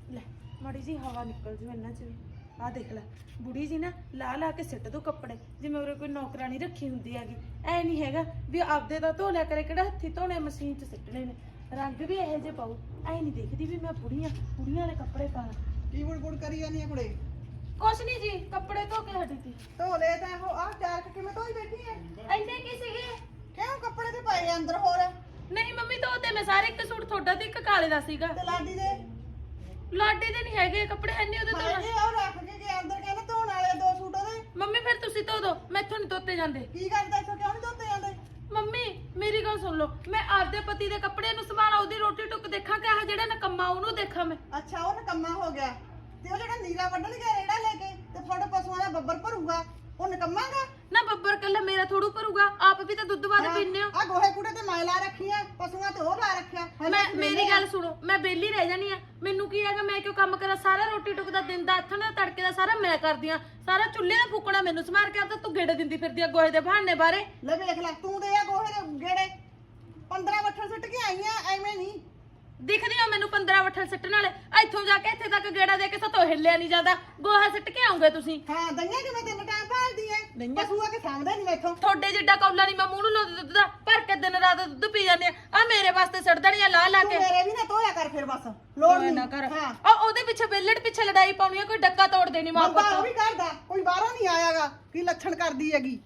ਲੈ ਮਾੜੀ ਜੀ ਹਵਾ ਨਿਕਲ ਜੂ ਇਹਨਾਂ ਚ ਵੀ। ਆਹ ਦੇਖ ਲੈ ਬੁੜੀ ਜੀ ਨਾ ਲਾ ਲਾ ਕੇ ਸਿੱਟ ਦੋ ਕੱਪੜੇ, ਜਿਵੇਂ ਉਰੇ ਕੋਈ ਨੌਕਰਾਨੀ ਰੱਖੀ ਹੁੰਦੀ ਹੈਗੀ। ਐ ਨਹੀਂ ਹੈਗਾ ਵੀ ਆਪਦੇ ਦਾ ਧੋ ਲਿਆ ਕਰੇ, ਕਿਹੜਾ ਹੱਥੀ ਧੋਣੇ ਮਸ਼ੀਨ 'ਚ ਸਿੱਟਣੇ ਨੇ। ਰੰਗ ਵੀ ਇਹੋ ਜਿਹੇ ਪਾਉ, ਐ ਨਹੀਂ ਦੇਖਦੀ ਵੀ ਮੈਂ ਬੁੜੀਆਂ ਵਾਲੇ ਕੱਪੜੇ ਪਾਣਾ। ਕੀ ਬੁੜ ਕਰੀ ਜਾਂਦੀ ਆ ਕੁੜੇ? ਕੁਛ ਨਹੀਂ ਜੀ, ਕੱਪੜੇ ਧੋ ਕੇ ਹਟੀ ਸੀ। ਧੋ ਲੈ ਤਾਂ ਉਹ ਆਹ ਚਾਰਕ ਕਿਵੇਂ ਧੋਈ ਬੈਠੀ ਐ? ਐਨੇ ਕੀ ਸੀਗੇ? ਕਿਉਂ ਕੱਪੜੇ ਤੇ ਪਏ ਆ ਅੰਦਰ ਹੋਰ? ਨਹੀਂ ਮੰਮੀ ਧੋਤੇ ਮੈਂ ਸਾਰੇ, ਇੱਕ ਸੂਟ ਤੁਹਾਡਾ ਤੇ ਇੱਕ ਕਾਲੇ ਦਾ ਸੀਗਾ। ਤੇ ਲਾਡੀ ਦੇ ਲਾਡੀ ਦੇ ਨਹੀਂ ਹੈਗੇ ਕੱਪੜੇ, ਐਨੇ ਉਹਦੇ ਧੋਣਾ। ਹਾਏ ਉਹ ਰੱਖ ਕੇ ਗਏ ਅੰਦਰ, ਕਹਿੰਦਾ ਧੋਣ ਵਾਲੇ ਦੋ ਸੂਟ ਉਹਦੇ। ਮੰਮੀ ਫਿਰ ਤੁਸੀਂ ਧੋ ਦੋ, ਮੈਥੋਂ ਨਹੀਂ ਧੋਤੇ ਜਾਂਦੇ। ਕੀ ਕਰਦਾ ਇੱਥੋਂ, ਕਿਉਂ ਨਹੀਂ ਧੋਤੇ ਜਾਂਦੇ? ਮੰਮੀ ਮੇਰੀ ਗੱਲ ਸੁਣ ਲਓ, ਮੈਂ ਆਪਦੇ ਪਤੀ ਦੇ ਕੱਪੜਿਆਂ ਨੂੰ ਸੰਭਾਲਾਂ, ਉਹਦੀ ਰੋਟੀ ਟੁੱਕ ਦੇਖਾਂ ਕਿ ਆਹ ਜਿਹੜਾ ਨਕੰਮਾ ਉਹਨੂੰ ਦੇਖਾਂ ਮੈਂ। ਅੱਛਾ ਉਹ ਨਕੰਮਾ ਹੋ ਗਿਆ, ਤੇ ਉਹ ਜਿਹੜਾ ਨੀਰਾ ਵੱਢਣ ਗਿਆ ਰੇੜਾ ਲੈ ਕੇ ਤੇ ਤੁਹਾਡੇ ਪਸ਼ੂਆਂ ਦਾ ਬੱਬਰ ਭਰੂਗਾ, ਉਹ ਨਕੰਮਾਗਾ? ਨਾ ਬੱਬਰ ਕੱਲਾ ਮੇਰਾ ਥੋੜੂ ਭਰੂਗਾ, ਆਪ ਵੀ ਤਾਂ ਦੁੱਧ ਵਾਲੇ ਪੀਂਦੇ ਹੋ। ਆ ਗੋਹੇ ਕੂੜੇ ਤੇ ਮੈਂ ਲਾ ਰੱਖੀ ਆ, ਪਸ਼ੂਆਂ ਤੇ ਉਹ ਲਾ ਰੱਖਿਆ। ਮੇਰੀ ਗੱਲ ਸੁਣੋ, ਮੈਂ ਬੇਲੀ ਰਹਿ ਜਾਣੀ ਆ, ਮੈਨੂੰ ਕੀ ਹੈਗਾ, ਮੈਂ ਕਿਉਂ ਕੰਮ ਕਰਾਂ? ਸਾਰਾ ਰੋਟੀ ਟੁੱਕ ਦਾ ਦਿਨ ਦਾ, ਹੱਥਾਂ ਦਾ ਤੜਕੇ ਦਾ ਸਾਰਾ ਮੈਂ ਕਰਦੀ ਆ, ਸਾਰਾ ਚੁੱਲ੍ਹੇ ਦਾ ਫੂਕਣਾ ਮੈਨੂੰ ਸਮਾਰ ਕੇ ਆਪ ਤੂੰ ਗੇੜੇ ਦਿੰਦੀ ਫਿਰਦੀ ਆ ਗੋਹੇ ਦੇ ਬਹਾਨੇ ਬਾਰੇ। ਲੈ ਵੇਖ ਲੈ, ਤੂੰ ਦੇ ਆ ਗੋਹੇ ਦੇ ਗੇੜੇ 15 ਵੱਠਣ ਸੁੱਟ ਕੇ ਆਈ ਆ, ਐਵੇਂ ਨਹੀਂ ਦਿਖਦੀ ਆ ਮੈਨੂੰ 15 ਵੱਠਲ ਸਿੱਟਣ ਵਾਲੇ। ਇੱਥੋਂ ਜਾ ਕੇ ਇੱਥੇ ਤੱਕ ਗੇੜਾ ਦੇ ਕੇ ਸਤੋਂ ਹਿੱਲਿਆ ਨਹੀਂ ਜਾਂਦਾ, ਗੋਹਾ ਸਿੱਟ ਕੇ ਆਉਂਗੇ ਤੁਸੀਂ। ਹਾਂ ਦਈਆਂ ਕਿਵੇਂ ਤਿੰਨ ਟਾਈਮ ਭਾਲਦੀ ਐ, ਪਸ਼ੂ ਆ ਕੇ ਸਾਂਭਦੇ ਨਹੀਂ ਮੈਥੋਂ। ਤੁਹਾਡੇ ਜਿੱਡਾ ਕੌਲਾ ਨਹੀਂ ਮੈਂ ਮੂੰਹ ਨੂੰ ਲਾਉਂਦੀ ਦੁੱਧ ਦਾ, ਭਰ ਕੇ ਦਿਨ ਰਾਤ ਦੁੱਧ ਪੀ ਜਾਂਦੇ ਆ ਮੇਰੇ ਵਾਸਤੇ ਸਿੱਟ ਦੇਣੀਆਂ ਲਾ ਲਾ ਕੇ। ਤੂੰ ਮੇਰੇ ਵੀ ਨਾ ਧੋਇਆ ਕਰ ਫਿਰ, ਬਸ ਲੋੜ ਨਾ ਨਹੀਂ ਕਰ। ਹਾਂ ਉਹਦੇ ਪਿੱਛੇ ਬੇਲੜ ਪਿੱਛੇ ਲੜਾਈ ਪਾਉਣੀ ਆ, ਕੋਈ ਡੱਕਾ ਤੋੜ ਦੇਣੀ ਮਾਂ ਬੰਦਾ ਉਹ ਪੁੱਤ। ਵੀ ਕਰਦਾ, ਕੋਈ ਬਾਹਰੋਂ ਨਹੀਂ ਆਇਆਗਾ, ਕੀ ਲੱਛਣ ਕਰਦੀ ਹੈਗੀ।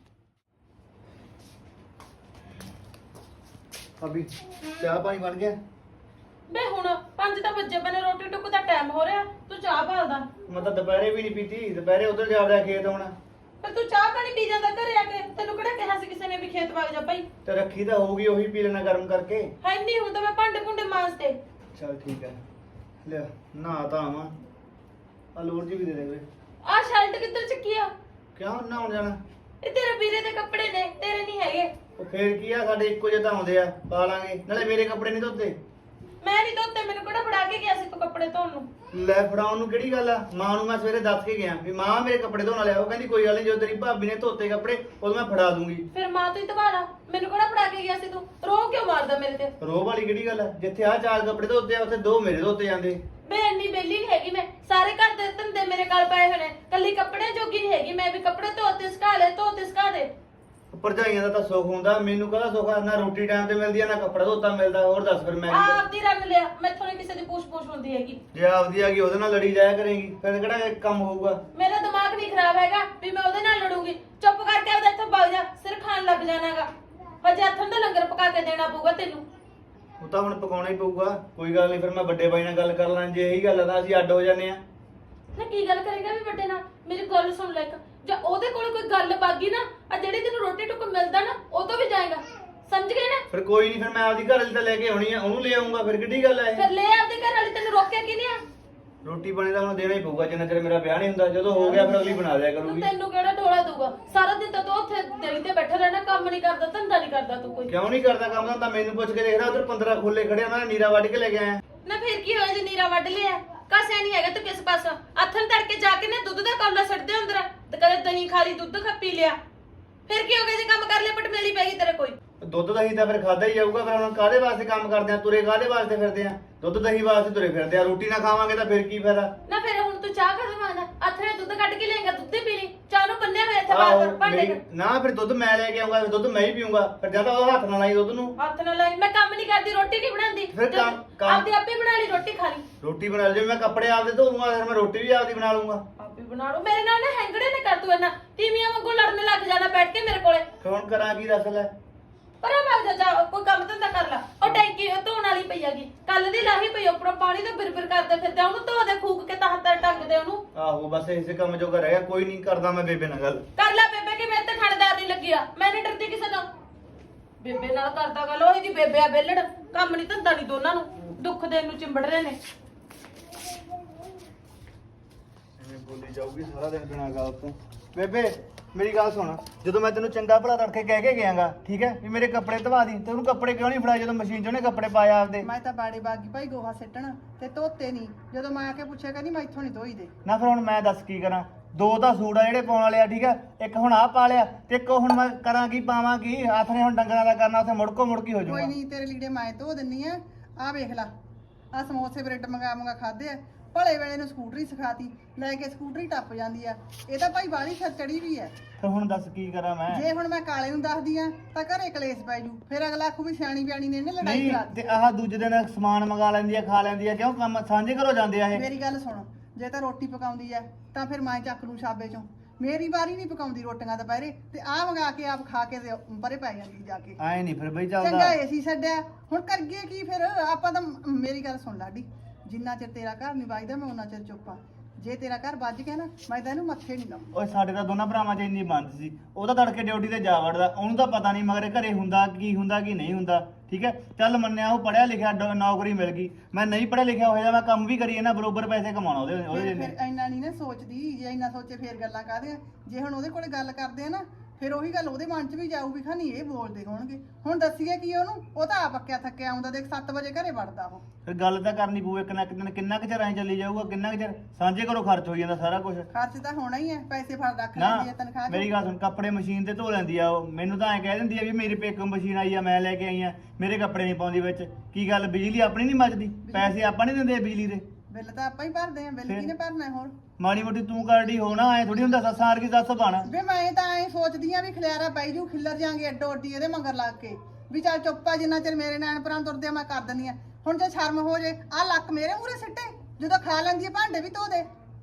ਅਭੀ ਚਾਹ ਪਾਣੀ ਬਣ ਗਿਆ? ਬੇ ਹੁਣ 5 ਤਾਂ ਵੱਜੇ ਪਏ ਨੇ, ਰੋਟੀ ਟੁੱਕ ਦਾ ਟਾਈਮ ਹੋ ਰਿਹਾ, ਤੂੰ ਚਾਹ ਭਾਲਦਾ। ਮੈਂ ਤਾਂ ਦੁਪਹਿਰੇ ਵੀ ਨਹੀਂ ਪੀਤੀ, ਦੁਪਹਿਰੇ ਉਧਰ ਜਾ ਵੜਿਆ ਖੇਤ ਹੁਣ। ਫਿਰ ਤੂੰ ਚਾਹ ਪਾਣੀ ਪੀ ਜਾਂਦਾ ਘਰੇ ਆ ਕੇ, ਤੈਨੂੰ ਕਿਹੜਾ ਕਿਹਾ ਸੀ ਕਿਸੇ ਨੇ ਵੀ ਖੇਤ ਵਗ ਜਾ ਭਾਈ? ਤੇ ਰੱਖੀ ਤਾਂ ਹੋਊਗੀ, ਉਹੀ ਪੀ ਲੈਣਾ ਗਰਮ ਕਰਕੇ। ਹੈ ਨਹੀਂ ਹੁਣ ਤਾਂ ਮੈਂ ਭਾਂਡੇ ਭੁੰਡੇ ਮਾਂਜਦੇ। ਚਲ ਠੀਕ ਹੈ, ਲਿਆ ਨਹਾ ਤਾਂ ਆਵਾਂ। ਆ ਲੋੜ ਜੀ ਵੀ ਦੇ ਦੇ ਵੇ। ਆਹ ਸ਼ਰਟ ਕਿੱਧਰ ਚੱਕੀ ਆ? ਕਿਉਂ ਨਹਾਉਣ ਜਾਣਾ? ਇਹ ਤੇਰੇ ਵੀਰੇ ਦੇ ਕੱਪੜੇ ਨੇ, ਤੇਰੇ ਨਹੀਂ ਹੈਗੇ। ਉਹ ਫੇਰ ਕੀ ਆ, ਸਾਡੇ ਇੱਕੋ ਜਿਹੇ ਤਾਂ ਆਉਂਦੇ ਆ, ਪਾ ਲਾਂਗੇ। ਨਾਲੇ ਮੇਰੇ ਕੱਪੜੇ ਨਹੀਂ ਧੋਤੇ। ਮੈਂ ਨਹੀਂ ਧੋਤੇ, ਮੈਨੂੰ ਕਿਹੜਾ ਫੜਾ ਕੇ ਗਿਆ ਸੀ ਤੂੰ ਕੱਪੜੇ ਧੋਣ ਨੂੰ? ਲੈ ਫੜਾਉਣ ਨੂੰ ਕਿਹੜੀ ਗੱਲ ਆ? ਮਾਂ ਨੂੰ ਮੈਂ ਸਵੇਰੇ ਦੱਸ ਕੇ ਗਿਆ ਵੀ ਮਾਂ ਮੇਰੇ ਕੱਪੜੇ ਧੋਣ ਵਾਲੇ ਆ। ਉਹ ਕਹਿੰਦੀ ਕੋਈ ਗੱਲ ਨਹੀਂ, ਜਦੋਂ ਤੇਰੀ ਭਾਬੀ ਨੇ ਧੋਤੇ ਕੱਪੜੇ ਉਦੋਂ ਮੈਂ ਫੜਾ ਦੂੰਗੀ। ਫਿਰ ਮਾਂ ਤੂੰ ਹੀ ਧਵਾਲਾ, ਮੈਨੂੰ ਕਿਹੜਾ ਫੜਾ ਕੇ ਗਿਆ ਸੀ ਤੂੰ? ਰੋਹ ਕਿਉਂ ਮਾਰਦਾ ਮੇਰੇ ਤੇ? ਰੋਹ ਵਾਲੀ ਕਿਹੜੀ ਗੱਲ ਆ? ਜਿੱਥੇ ਆ 4 ਕੱਪੜੇ ਧੋਤੇ ਆ, ਉੱਥੇ 2 ਮੇਰੇ ਧੋਤੇ ਜਾਂਦੇ। ਮੈਂ ਇੰਨੀ ਬੇਲੀ ਨਹੀਂ ਹੈਗੀ, ਮੈਂ ਸਾਰੇ ਘਰ ਦੇ ਧੰਦੇ ਮੇਰੇ ਗਲ ਪਏ ਹੋਏ ਨੇ, ਕੱਲੀ ਕੱਪੜੇ ਜੋਗੀ ਨਹੀਂ ਹੈਗੀ ਮੈਂ ਵੀ। ਕੱਪੜੇ ਧੋਤੇ ਸੁਕਾ ਲੈ, ਧੋਤੇ ਸੁਕਾ ਦੇ। ਭਰਜਾਈਆਂ ਦਾ ਤਾਂ ਸੁੱਖ ਹੁੰਦਾ, ਮੈਨੂੰ ਕਾਹਦਾ ਸੁੱਖ ਆ? ਨਾ ਰੋਟੀ ਟਾਈਮ ਤੇ ਮਿਲਦੀ ਆ, ਨਾ ਕੱਪੜਾ ਧੋਤਾ ਮਿਲਦਾ। ਹੋਰ ਦੱਸ ਫਿਰ ਮੈਂ ਕੀ ਕਰਾਂ? ਆਪਦੀ ਰੰਗ ਲਿਆ, ਮੈਥੋਂ ਨਹੀਂ ਕਿਸੇ ਦੀ ਪੂਛ ਹੁੰਦੀ ਹੈਗੀ। ਜੇ ਆਪਦੀ ਆ ਗਈ ਉਹਦੇ ਨਾਲ ਲੜੀ ਜਾਇਆ ਕਰੇਗੀ, ਫਿਰ ਕਿਹੜਾ ਇਹ ਕੰਮ ਹੋਊਗਾ? ਮੇਰਾ ਦਿਮਾਗ ਨਹੀਂ ਖਰਾਬ ਹੈਗਾ ਵੀ ਮੈਂ ਉਹਦੇ ਨਾਲ ਲੜੂੰਗੀ। ਚੁੱਪ ਕਰਕੇ ਆਪਦਾ ਇੱਥੋਂ ਭੱਜ ਜਾ, ਸਿਰ ਖਾਣ ਲੱਗ ਜਾਣਾਗਾ। ਹਜੇ ਹੱਥਾਂ ਦਾ ਲੰਗਰ ਪਕਾ ਕੇ ਦੇਣਾ ਪਊਗਾ ਤੈਨੂੰ। ਉਹ ਤਾਂ ਹੁਣ ਪਕਾਉਣਾ ਹੀ ਪਊਗਾ, ਕੋਈ ਗੱਲ ਨਹੀਂ। ਫਿਰ ਮੈਂ ਵੱਡੇ ਬਾਈ ਨਾਲ ਗੱਲ ਕਰ ਲਾਂ, ਜੇ ਇਹੀ ਗੱਲ ਆ ਤਾਂ ਅਸੀਂ ਅੱਡ ਹੋ ਜਾਂਦੇ ਆ। ਨਾ ਕੀ ਗੱਲ ਕਰੇਗਾ ਵੀ ਵੱਡੇ ਨਾਲ? ਮੇਰੀ ਗੱਲ ਸੁਣ ਲੈ ਇੱਕ, ਜੇ ਉਹਦੇ ਕੋਲ ਕੋਈ ਗੱਲ ਬਾਗੀ ਨਾ, ਆ ਜਿਹੜੀ ਤੈਨੂੰ ਰੋਟੀ ਟੁੱਕ ਮਿਲਦਾ ਨਾ, ਉਹ ਤੋਂ ਵੀ ਜਾਏਗਾ, ਸਮਝ ਗਏ ਨਾ? ਫਿਰ ਕੋਈ ਨਹੀਂ, ਫਿਰ ਮੈਂ ਆਪਦੀ ਘਰ ਵਾਲੀ ਤਾਂ ਲੈ ਕੇ ਆਉਣੀ ਆ, ਉਹਨੂੰ ਲੈ ਆਉਂਗਾ। ਫਿਰ ਕਿੱਡੀ ਗੱਲ ਆ ਇਹ? ਫਿਰ ਲੈ ਆਪਦੇ ਘਰ ਵਾਲੀ, ਤੈਨੂੰ ਰੋਕਿਆ ਕਿਹਨੇ ਆ? ਰੋਟੀ ਪਾਣੀ ਤਾਂ ਹੁਣ ਦੇਣਾ ਹੀ ਪਊਗਾ, ਜਿੰਨਾ ਚਿਰ ਮੇਰਾ ਵਿਆਹ ਨਹੀਂ ਹੁੰਦਾ। ਜਦੋਂ ਹੋ ਗਿਆ ਫਿਰ ਅਗਲੀ ਬਣਾ ਦਿਆ ਕਰੂਗੀ। ਤੈਨੂੰ ਕਿਹੜਾ ਢੋਲਾ ਦਊਗਾ? ਸਾਰਾ ਦਿਨ ਤਾਂ ਤੂੰ ਉੱਥੇ ਦਿਲ ਤੇ ਬੈਠਾ ਰਹਿਣਾ, ਕੰਮ ਨਹੀਂ ਕਰਦਾ, ਧੰਦਾ ਨਹੀਂ ਕਰਦਾ ਤੂੰ ਕੋਈ। ਕਿਉਂ ਨਹੀਂ ਕਰਦਾ ਕੰਮ? ਤਾਂ ਮੈਨੂੰ ਪੁੱਛ ਕੇ ਦੇਖਦਾ, ਉਧਰ 15 ਖੁੱਲੇ ਖੜੇ, ਉਹਨਾਂ ਨੇ ਨੀਰਾ ਵੱਢ ਕੇ ਲੈ ਕੇ ਆਇਆ। ਨਾ ਫਿਰ ਕੀ ਹੋਇਆ ਜੇ ਨੀਰਾ ਵੱਢ ਲਿਆ? ਕਸਿਆ ਨਹੀਂ ਹੈਗਾ ਤੂੰ ਕਿਸ ਪਾਸੋਂ? ਅੱਥਨ ਤੜਕੇ ਜਾ ਕੇ ਨਾ ਦੁੱਧ ਦਾ ਕੌਲਾ ਛੱਡਦੇ ਅੰਦਰ, ਤੇ ਕਦੇ ਦਹੀਂ ਖਾ ਲਈ, ਦੁੱਧ ਪੀ ਲਿਆ। ਫਿਰ ਕੀ ਹੋ ਗਿਆ ਜੇ ਕੰਮ ਕਰ ਲਿਆ, ਪਟਮੇਲੀ ਪੈ ਗਈ ਤੇਰੇ ਕੋਈ? ਦੁੱਧ ਦਹੀਂ ਤਾਂ ਫਿਰ ਖਾਦਾ ਹੀ ਜਾਊਗਾ। ਫਿਰ ਹੁਣ ਕਾਹਦੇ ਵਾਸਤੇ ਕੰਮ ਕਰਦੇ ਆ? ਤੁਰੇ ਕਾਹਦੇ ਵਾਸਤੇ ਫਿਰਦੇ ਆ? ਦੁੱਧ ਦਹੀਂ ਵਾਸਤੇ ਤੁਰੇ ਫਿਰਦੇ ਆ। ਰੋਟੀ ਨਾ ਖਾਵਾਂਗੇ ਤਾਂ ਫਿਰ ਕੀ ਫਾਇਦਾ? ਨਾ ਫਿਰ ਹੁਣ ਤੂੰ ਚਾਹ ਕਦੋਂ ਮੰਗਦਾ? ਅੱਥਰੇ ਦੁੱਧ ਕੱਢ ਕੇ ਲਿਆਏਗਾ, ਦੁੱਧ ਹੀ ਪੀ ਲਈ। ਚਾਹ ਨੂੰ ਬੰਨਿਆ ਹੋਇਆ ਇੱਥੇ ਬਾਹਰ ਭਾਂਡੇ ਚ। ਨਾ ਫਿਰ ਦੁੱਧ ਮੈਂ ਲੈ ਕੇ ਆਉਂਗਾ, ਫਿਰ ਦੁੱਧ ਮੈਂ ਹੀ ਪੀਊਂਗਾ। ਫਿਰ ਜਾਂ ਤਾਂ ਉਹ ਹੱਥ ਨਾਲ ਲਾਈ ਦੁੱਧ ਨੂੰ। ਹੱਥ ਨਾਲ ਲਾਈ, ਮੈਂ ਕੰਮ ਨਹੀਂ ਕਰਦੀ, ਰੋਟੀ ਨਹੀਂ ਬਣਾਉਂਦੀ। ਫਿਰ ਕੰਮ ਆਪਦੀ ਆਪੇ ਬਣਾ ਲਈ, ਰੋਟੀ ਖਾ ਲਈ। ਰੋਟੀ ਬਣਾ ਲਈ, ਜੇ ਮੈਂ ਕੱਪੜੇ ਆਪਦੇ ਧੋ ਲੂੰਗਾ, ਫਿਰ ਮੈਂ ਰੋਟੀ ਵੀ ਆਪਦੀ ਬਣਾ ਲੂੰਗਾ। ਆਪੇ ਬਣਾ ਲਓ। ਮੇਰੇ ਨਾਲ ਨਾ ਹੈਂਗੜੇ ਨੇ ਕਰ ਤੂੰ ਇਹਨਾਂ ਤੀਵੀਆਂ ਵਾਂਗੂ ਲੜਨ ਲੱਗ ਜਾਣਾ ਬੈਠ ਕੇ ਮੇਰੇ ਕੋਲੇ। ਫਿਰ ਹੁਣ ਕਰਾਂ ਕੀ? ਦੱਸ ਲੈ। ਪਰ ਆ ਜਾ ਕੋਈ ਕੰਮ ਧੰਦਾ ਕਰ ਲੈ। ਉਹ ਟੈਂਕੀ ਧੋਣ ਵਾਲੀ ਪਈ ਹੈਗੀ, ਕੱਲ ਦੀ ਲਾਹੀ ਪਈ, ਉੱਪਰੋਂ ਪਾਣੀ ਤੋਂ ਬਿਰਬਿਰ ਕਰਦੇ ਫਿਰਦੇ, ਉਹਨੂੰ ਧੋ ਦੇ, ਫੂਕ ਕੇ ਤਾਂ ਹੱਥਾਂ ਟੰਗ ਦੇ ਉਹਨੂੰ। ਆਹੋ ਬਸ ਇਸੇ ਕੰਮ ਜੋਗਾ ਰਹਿ ਗਿਆ। ਕੋਈ ਨਹੀਂ, ਕਰਦਾ ਮੈਂ ਬੇਬੇ ਨਾਲ ਗੱਲ। ਕਰ ਲੈ ਬੇਬੇ, ਕਿ ਮੇਰੇ ਤੇ ਖੜਦਾਰ ਨਹੀਂ ਲੱਗਿਆ, ਮੈਂ ਨਹੀਂ ਡਰਦੀ ਕਿਸੇ ਤੋਂ। ਬੇਬੇ ਨਾਲ ਕਰਦਾ ਗੱਲ, ਉਹੀ ਦੀ ਬੇਬੇ ਆ ਬੇਲੜ, ਕੰਮ ਨਹੀਂ ਧੰਦਾ ਨਹੀਂ, ਦੋਨਾਂ ਨੂੰ ਦੁੱਖ ਦੇਣ ਨੂੰ ਚਿੰਬੜ ਰਹੇ ਨੇ। ਐਵੇਂ ਬੋਲੀ ਜਾਊਗੀ ਸਾਰਾ ਦਿਨ ਬਿਨਾਂ ਗੱਲ ਤੋਂ। ਬੇਬੇ ਮੇਰੀ ਗੱਲ ਸੁਣ, ਜਦੋਂ ਮੈਂ ਤੈਨੂੰ ਚੰਗਾ ਭਲਾ ਤੜਕੇ ਕਹਿ ਕੇ ਗਿਆਗਾ, ਠੀਕ ਹੈ, ਵੀ ਮੇਰੇ ਕੱਪੜੇ ਧਵਾ ਦੀ, ਤੇ ਉਹਨੂੰ ਕੱਪੜੇ ਕਿਉਂ ਨਹੀਂ ਫੜਾਏ ਜਦੋਂ ਮਸ਼ੀਨ 'ਚ ਉਹਨੇ ਕੱਪੜੇ ਪਾਏ ਆਪਦੇ? ਮੈਂ ਤਾਂ ਬਾੜੀ ਬਾਗੀ ਭਾਈ ਗੋਹਾ ਸਿੱਟਣ ਤੇ ਧੋਤੇ ਨਹੀਂ। ਜਦੋਂ ਮੈਂ ਆ ਕੇ ਪੁੱਛਿਆ ਕਹਿੰਦੀ ਮੈਂ ਇੱਥੋਂ ਨਹੀਂ ਧੋਈ ਦੇ। ਨਾ ਫਿਰ ਹੁਣ ਮੈਂ ਦੱਸ ਕੀ ਕਰਾਂ? 2 ਤਾਂ ਸੂਟ ਆ ਜਿਹੜੇ ਪਾਉਣ ਵਾਲੇ ਆ, ਠੀਕ ਹੈ, ਇੱਕ ਹੁਣ ਆਹ ਪਾ ਲਿਆ, ਤੇ ਇੱਕ ਹੁਣ ਮੈਂ ਕਰਾਂ ਕੀ, ਪਾਵਾਂ ਕੀ? ਹੱਥ ਨੇ ਹੁਣ ਡੰਗਰਾਂ ਦਾ ਕਰਨਾ, ਉੱਥੇ ਮੁੜਕੀ ਹੋ ਕੋਈ ਜਾਊਗਾ। ਨਹੀਂ, ਤੇਰੇ ਲੀੜੇ ਮੈਂ ਧੋ ਦਿੰਨੀ ਆ। ਆ ਵੇਖ ਲੈ, ਆ ਸਮੋਸੇ ਬ੍ਰੈਡ ਮੰਗਾ ਖਾਦੇ ਆ, ਭਲੇ ਵੇਲੇ ਨੂੰ ਸਕੂਟਰੀ ਸਿਖਾਤੀ, ਲੈ ਕੇ ਸਕੂਟਰੀ ਟੱਪ ਜਾਂਦੀ ਆ। ਇਹ ਤਾਂ ਭਾਈ ਬਾਲੀ ਚੜੀ ਵੀ ਹੈ। ਤੇ ਹੁਣ ਦੱਸ ਕੀ ਕਰਾਂ ਮੈਂ? ਜੇ ਹੁਣ ਮੈਂ ਕਾਲੇ ਨੂੰ ਦੱਸਦੀ ਆ ਤਾਂ ਘਰੇ ਕਲੇਸ਼ ਪੈ ਜੂ, ਫਿਰ ਅਗਲਾ ਆਖੂ ਵੀ ਸਿਆਣੀ ਬਿਆਣੀ ਨੇ ਇਹਨੇ ਲੜਾਈ ਨਹੀਂ ਕਰਾ ਤੇ ਆਹ ਦੂਜੇ ਦਿਨ ਸਮਾਨ ਮੰਗਾ ਲੈਂਦੀ ਆ, ਖਾ ਲੈਂਦੀ ਆ, ਕਿਉਂ ਕੰਮ ਸਾਂਝੇ ਘਰੋਂ ਜਾਂਦੇ ਆ ਇਹ? ਮੇਰੀ ਗੱਲ ਸੁਣ, ਜੇ ਤਾਂ ਰੋਟੀ ਪਕਾਉਂਦੀ ਆ ਤਾਂ ਫਿਰ ਮੈਂ ਚੱਕ ਲੂ ਛਾਬੇ ਚੋਂ। ਮੇਰੀ ਵਾਰੀ ਨਹੀਂ ਪਕਾਉਂਦੀ ਰੋਟੀਆਂ ਦੁਪਹਿਰੇ, ਤੇ ਆਹ ਮੰਗਾ ਕੇ ਆਪ ਖਾ ਕੇ ਤੇ ਪਰੇ ਪੈ ਜਾਂਦੀ ਜਾ ਕੇ। ਆਏ ਨਹੀਂ ਫਿਰ ਬਈ ਚੰਗਾ ਚੱਲਦਾ। ਏਸੀ ਛੱਡਿਆ, ਹੁਣ ਕਰੀਏ ਕੀ ਫਿਰ? ਆਪਾਂ ਤਾਂ ਮੇਰੀ ਗੱਲ ਸੁਣ ਲਾਡੀ, ਜਿੰਨਾ ਚਿਰ ਤੇਰਾ ਘਰ ਨਹੀਂ ਵੱਜਦਾ ਮੈਂ ਉਹਨਾਂ ਚਿਰ ਚੁੱਪ ਆ। ਜੇ ਤੇਰਾ ਘਰ ਵੱਜ ਗਿਆ ਨਾ, ਮੈਂ ਤਾਂ ਇਹਨੂੰ ਮੱਥੇ ਨਹੀਂ ਲਾਉਂਦੀ। ਓਏ ਸਾਡੇ ਤਾਂ ਦੋਨਾਂ ਭਰਾਵਾਂ 'ਚ ਇੰਨੀ ਬੰਦ ਸੀ, ਉਹ ਤਾਂ ਤੜਕੇ ਡਿਊਟੀ ਤੇ ਜਾ ਵੜਦਾ, ਉਹਨੂੰ ਤਾਂ ਪਤਾ ਨਹੀਂ ਮਗਰ ਘਰੇ ਹੁੰਦਾ ਕੀ ਨਹੀਂ ਹੁੰਦਾ। ਠੀਕ ਹੈ, ਚੱਲ ਮੰਨਿਆ ਉਹ ਪੜਿਆ ਲਿਖਿਆ, ਨੌਕਰੀ ਮਿਲ ਗਈ। ਮੈਂ ਨਹੀਂ ਪੜਿਆ ਲਿਖਿਆ ਹੋਇਆ, ਮੈਂ ਕੰਮ ਵੀ ਕਰੀ ਇਹਨਾਂ ਬਰੋਬਰ ਪੈਸੇ ਕਮਾਉਣਾ ਉਹਦੇ ਫਿਰ ਇੰਨਾ ਨਹੀਂ ਨਾ ਸੋਚਦੀ, ਜੇ ਇੰਨਾ ਸੋਚੇ ਫਿਰ ਗੱਲਾਂ ਕਾਹਦੇ ਆ। ਜੇ ਹੁਣ ਉਹਦੇ ਕੋਲੇ ਗੱਲ ਕਰਦੇ ਆ ਨਾ, ਫਿਰ ਉਹੀ ਗੱਲ ਉਹਦੇ ਮਨ 'ਚ ਵੀ ਜਾਊ ਵੀ ਖਾਨੀ ਇਹ ਬੋਲਦੇ ਹੋਣਗੇ। ਹੁਣ ਦੱਸੀਏ ਕੀ ਉਹਨੂੰ? ਉਹ ਤਾਂ ਆਪ ਅੱਕਿਆ ਥੱਕਿਆ ਆਉਂਦਾ, ਦੇਖ 7 ਵਜੇ ਘਰੇ ਵੜਦਾ ਉਹ। ਫਿਰ ਗੱਲ ਤਾਂ ਕਰਨੀ ਪਊ ਇੱਕ ਨਾ ਇੱਕ ਦਿਨ। ਕਿੰਨਾ ਕੁ ਚਿਰ ਐਂ ਚੱਲੀ ਜਾਊਗਾ, ਕਿੰਨਾ ਕੁ ਚਿਰ ਸਾਂਝੇ ਘਰੋਂ ਖਰਚ ਹੋਈ ਜਾਂਦਾ ਸਾਰਾ ਕੁਝ। ਖਰਚ ਤਾਂ ਹੋਣਾ ਹੀ ਹੈ, ਪੈਸੇ ਫੜ ਰੱਖ ਨਾ ਲੈਂਦੀ ਹੈ ਤਨਖਾਹ 'ਚ। ਮੇਰੀ ਗੱਲ ਸੁਣ, ਕੱਪੜੇ ਮਸ਼ੀਨ ਤੇ ਧੋ ਲੈਂਦੀ ਆ ਉਹ, ਮੈਨੂੰ ਤਾਂ ਐਂ ਕਹਿ ਦਿੰਦੀ ਆ ਵੀ ਮੇਰੀ ਪੇਕੋਂ ਮਸ਼ੀਨ ਆਈ ਆ, ਮੈਂ ਲੈ ਕੇ ਆਈ ਆ, ਮੇਰੇ ਕੱਪੜੇ ਨਹੀਂ ਪਾਉਂਦੀ ਵਿੱਚ। ਕੀ ਗੱਲ, ਬਿਜਲੀ ਆਪਣੀ ਨਹੀਂ ਮੱਚਦੀ? ਪੈਸੇ ਆਪਾਂ ਨਹੀਂ ਦਿੰਦੇ ਬਿਜਲੀ ਦੇ? ਬਿੱਲ ਤਾਂ ਆਪਾਂ ਹੀ ਭਰਦੇ ਆ, ਬਿੱਲ ਕਿਹਨੇ ਭਰਨਾ ਹੈ ਹੋਰ? ਮਾੜੀ ਮੋਟੀ ਤੂੰ ਕਰਦੀ ਹੋਣਾ, ਐ ਥੋੜੀ ਹੁੰਦਾ ਸੱਸਾਂ ਵਰਗੀ ਸੱਸ ਬਣ। ਵੇ ਮੈਂ ਤਾਂ ਐ ਸੋਚਦੀ ਆ ਵੀ ਖਲਿਆਰਾ ਪੈ ਜੂ, ਖਿੱਲਰ ਜਾਾਂਗੇ ਅੱਡੋ ਅੱਡੀ ਇਹਦੇ ਮਗਰ ਲੱਗ ਕੇ, ਵੀ ਚੱਲ ਚੁੱਪਾ ਜਿੰਨਾ ਚਿਰ ਮੇਰੇ ਨੈਣ ਪਰਾਂ ਤੁਰਦੇ ਆ ਮੈਂ ਕਰ ਦਿੰਦੀ ਆ। ਹੁਣ ਜੇ ਸ਼ਰਮ ਹੋ ਜੇ, ਆ ਲੱਕ ਮੇਰੇ ਮੂਹਰੇ ਸਿੱਟੇ, ਜਦੋਂ ਖਾ ਲੈਂਦੀ ਆ ਭਾਂਡੇ ਵੀ ਧੋ ਦੇ।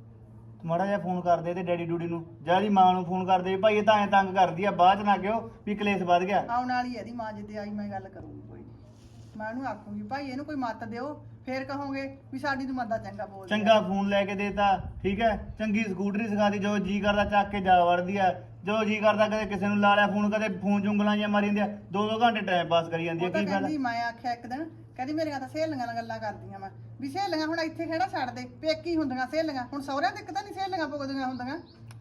ਮਾੜਾ ਜਿਹਾ ਫੋਨ ਕਰਦੇ ਤੇ ਡੈਡੀ ਡੂਡੀ ਨੂੰ, ਜਿਹੜੀ ਮਾਂ ਨੂੰ ਫੋਨ ਕਰਦੇ ਵੀ ਭਾਈ ਇਹ ਤਾਂ ਐ ਤੰਗ ਕਰਦੀ ਆ, ਬਾਅਦ ਚ ਨਾ ਕਿਉਂ ਵੀ ਕਲੇਸ਼ ਵੱਧ ਗਿਆ। ਆਉਣ ਵਾਲੀ ਇਹਦੀ ਮਾਂ ਜਿੱਦੇ ਆਈ ਮੈਂ ਗੱਲ ਕਰੂੰਗੀ ਕੋਈ ਨੀ। ਮੈਂ ਉਹਨੂੰ ਆਖੂੰਗੀ ਭਾਈ ਇਹਨੂੰ ਕੋਈ ਮੱਤ ਦਿਓ, ਫੇਰ ਕਹੋਗੇ ਵੀ ਸਾਡੀ ਨੂੰ ਮੰਦਾ ਚੰਗਾ ਬੋਲਦੀ ਆ। ਚੰਗਾ ਫੋਨ ਲੈ ਕੇ ਦੇਤਾ, ਠੀਕ ਹੈ, ਚੰਗੀ ਸਕੂਟਰੀ ਸਿਖਾਤੀ, ਜੋ ਜੀ ਕਰਦਾ ਚੱਕ ਕੇ ਜਾ ਵੜਦੀ ਆ, ਜੋ ਜੀ ਕਰਦਾ ਕਦੇ ਕਿਸੇ ਨੂੰ ਲਾ ਲਿਆ ਫੋਨ, ਕਦੇ ਫੋਨ ਚ ਉਂਗਲਾਂ ਜਿਹੀਆਂ ਮਾਰੀ ਜਾਂਦੀਆਂ, 2-2 ਘੰਟੇ ਟਾਈਮ ਪਾਸ ਕਰੀ ਜਾਂਦੀ ਆ। ਉਹ ਤਾਂ ਕੀ ਫਾਇਦਾ? ਕਹਿੰਦੀ, ਮੈਂ ਆਖਿਆ ਇੱਕ ਦਿਨ, ਕਹਿੰਦੀ ਮੇਰੀਆਂ ਤਾਂ ਸਹੇਲੀਆਂ ਨਾਲ ਗੱਲਾਂ ਕਰਦੀਆਂ ਮੈਂ, ਵੀ ਸਹੇਲੀਆਂ ਹੁਣ ਇੱਥੇ ਖੇੜਾ ਛੱਡ ਦੇ, ਪੇਕੀ ਹੁੰਦੀਆਂ ਸਹੇਲੀਆਂ, ਹੁਣ ਸਹੁਰਿਆਂ ਤੱਕ ਤਾਂ ਨਹੀਂ ਸਹੇਲੀਆਂ ਭੁਗਦੀਆਂ ਹੁੰਦੀਆਂ।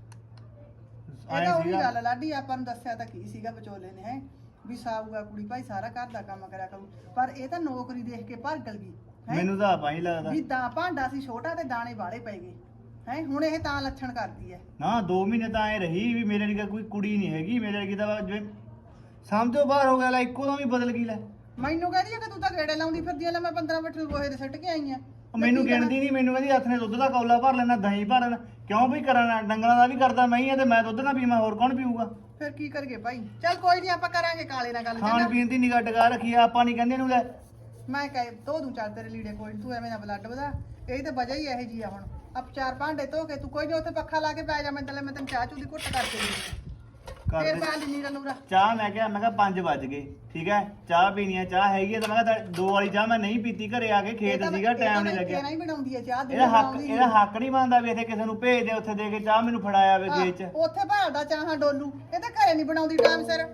ਇਹ ਤਾਂ ਉਹੀ ਗੱਲ ਲਾਡੀ, ਆਪਾਂ ਨੂੰ ਦੱਸਿਆ ਤਾਂ ਕੀ ਸੀਗਾ ਵਿਚੋਲੇ ਨੇ, ਹੈ ਵੀ ਸਾਊਗਾ ਕੁੜੀ ਭਾਈ ਸਾਰਾ ਘਰ ਦਾ ਕੰਮ ਕਰਿਆ ਕਰੂ, ਪਰ ਇਹ ਤਾਂ ਨੌਕਰੀ ਦੇਖ ਕੇ ਭਰਗਲ ਗਈ। ਮੈਨੂੰ ਤਾਂ ਆਪਾਂ ਹੀ ਲੱਗਦਾ ਵੀ ਤਾਂ ਭਾਂਡਾ ਸੀ ਛੋਟਾ ਤੇ ਦਾਣੇ ਵਾਲੇ ਪੈ ਗਏ ਹੈ। ਹੁਣ ਇਹ ਤਾਂ ਲੱਛਣ ਕਰਦੀ ਹੈ ਨਾ। 2 ਮਹੀਨੇ ਤਾਂ ਐ ਰਹੀ ਵੀ ਮੇਰੇ ਲਈ ਕੋਈ ਕੁੜੀ ਨਹੀਂ ਹੈਗੀ, ਮੇਰੇ ਲਈ ਤਾਂ ਜਿਵੇਂ ਸਮਝੋ ਬਾਹਰ ਹੋ ਗਿਆ, ਲੈ ਇੱਕੋ ਦਮ ਹੀ ਬਦਲ ਗਈ। ਲੈ ਮੈਨੂੰ ਕਹਿੰਦੀ ਆ ਕਿ ਤੂੰ ਤਾਂ ਗੇੜੇ ਲਾਉਂਦੀ ਫਿਰਦੀ ਆ, ਲੈ ਮੈਂ 15 ਮਿੰਟ ਗੋਹੇ ਦੇ ਸਿੱਟ ਕੇ ਆਈ ਆ। ਮੈਨੂੰ ਗਿਣਦੀ ਨਹੀਂ, ਮੈਨੂੰ ਕਹਿੰਦੀ ਹੱਥ ਨੇ ਦੁੱਧ ਦਾ ਕੌਲਾ ਭਰ ਲੈਣਾ, ਦਹੀਂ ਭਰ ਲੈਣਾ। ਕਿਉਂ ਵੀ ਕਰਾਂ, ਡੰਗਰਾਂ ਦਾ ਵੀ ਕਰਦਾ ਮੈਂ ਹੀ ਆ, ਤੇ ਮੈਂ ਦੁੱਧ ਨਾ ਪੀਵਾਂ ਹੋਰ ਕੌਣ ਪੀਊਗਾ? ਫਿਰ ਕੀ ਕਰੀਏ ਭਾਈ? ਚੱਲ ਕੋਈ ਨਹੀਂ, ਆਪਾਂ ਕਰਾਂਗੇ ਕਾਲੇ ਨਾਲ ਗੱਲ। ਖਾਣ ਪੀਣ ਦੀ ਨਿਗਾਹ ਟਿਕਾ ਰੱਖੀ ਆ ਆਪਾਂ, ਨਹੀਂ ਕਹਿੰਦੇ ਇਹਨੂੰ ਲੈ ਮੈਂ ਕਹੇ ਧੋ ਦੂੰ ਚੱਲ ਤੇਰੇ ਲੀੜੇ, ਕੋਈ ਨੀ, ਤੂੰ ਐਵੇਂ ਨਾ ਬਲੱਡ ਵਧਾ। ਇਹ ਤਾਂ ਵਜ੍ਹਾ ਹੀ ਇਹੋ ਜੀ ਆ। ਹੁਣ ਆਪ 4 ਭਾਂਡੇ ਧੋ ਕੇ ਤੂੰ ਕੋਈ ਨਹੀਂ ਉੱਥੇ ਪੱਖਾ ਲਾ ਕੇ ਪੈ ਜਾ, ਮੈਂ ਤੈਨੂੰ ਚਾਹ ਚੂਹ ਦੀ ਘੁੱਟ ਕਰਕੇ ਦੇ ਫਿਰ ਪਾ ਲਈ ਨੀਰਾ ਨੂਰਾ ਚਾਹ। ਮੈਂ ਕਿਹਾ 5 ਵੱਜ ਗਏ, ਠੀਕ ਹੈ, ਚਾਹ ਪੀਣੀ ਆ, ਚਾਹ ਹੈਗੀ ਆ, ਤਾਂ ਮੈਂ ਕਿਹਾ 2 ਵਾਲੀ ਚਾਹ ਮੈਂ ਨਹੀਂ ਪੀਤੀ, ਘਰੇ ਆ ਕੇ ਖੇਤ ਸੀਗਾ, ਟਾਈਮ ਨਹੀਂ ਲੱਗਿਆ। ਨਹੀਂ ਬਣਾਉਂਦੀ ਹੈ ਚਾਹ, ਇਹਦਾ ਹੱਕ ਨਹੀਂ ਬਣਦਾ ਵੀ ਇੱਥੇ ਕਿਸੇ ਨੂੰ ਭੇਜ ਦੇ, ਉੱਥੇ ਦੇ ਕੇ ਚਾਹ ਮੈਨੂੰ ਫੜਾਇਆ ਵੇ ਖੇਤ ਚ। ਉੱਥੇ ਭਾਲਦਾ ਚਾਹਾਂ ਡੋਲੂ, ਇਹ ਤਾਂ ਘਰੇ ਨਹੀਂ ਬਣਾਉਂਦੀ ਟਾਈਮ ਸਿਰ।